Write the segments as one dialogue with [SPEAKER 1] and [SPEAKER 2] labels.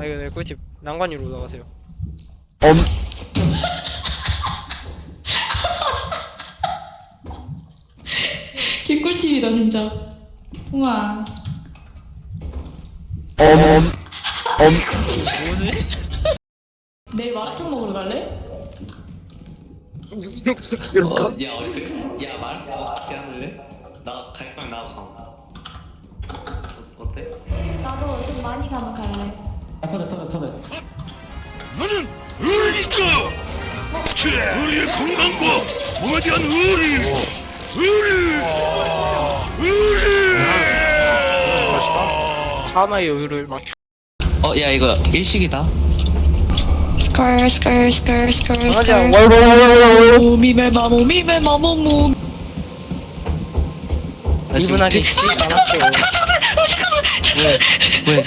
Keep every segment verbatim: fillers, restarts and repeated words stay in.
[SPEAKER 1] 아 이거 네 꿀팁 난관 위로 올라가세요.
[SPEAKER 2] 엄.
[SPEAKER 3] 개꿀팁이다 진짜. 우와.
[SPEAKER 2] 엄. 엄.
[SPEAKER 1] 뭐지?
[SPEAKER 3] 내일 마라탕 먹으러 갈래?
[SPEAKER 4] 어, 야, 어때? 야, 말 같이 할래? 나 갈빵 나가. 어, 어때?
[SPEAKER 3] 나도 좀 많이 가면 갈래.
[SPEAKER 4] 아, 터렛, 터렛, 터렛.
[SPEAKER 5] 나는 의리니까 우리의 건강과 몸에 대한 의리 의리 의리
[SPEAKER 1] 사나의 의를 막
[SPEAKER 4] 어, 야, 이거 일식이다.
[SPEAKER 3] 스컬 스컬 스컬 스컬
[SPEAKER 1] 강아지 안
[SPEAKER 3] 몸이메 마몸이메 마몸몸.
[SPEAKER 1] 이분하게 죽지 않았어.
[SPEAKER 4] 왜? 왜?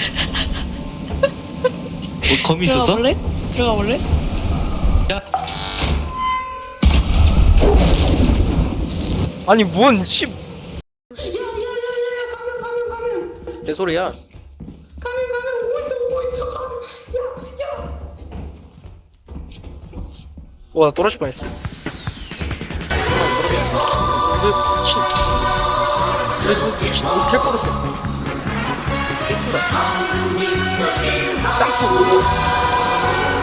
[SPEAKER 4] 뭐, 검이
[SPEAKER 3] 들어가
[SPEAKER 4] 있었어?
[SPEAKER 3] 볼래? 들어가 볼래?
[SPEAKER 4] 야,
[SPEAKER 1] 아니 뭔 씨.
[SPEAKER 3] 야야야야야 가면 가면 가면
[SPEAKER 1] 내 소리야.
[SPEAKER 3] 가면 가면 오고 있어 오고 있어 가면. 야야.
[SPEAKER 1] 와, 나 떨어질 뻔했어. 이거 미친. 이거 미친. 이거 될 뻔했어. 딱 보고.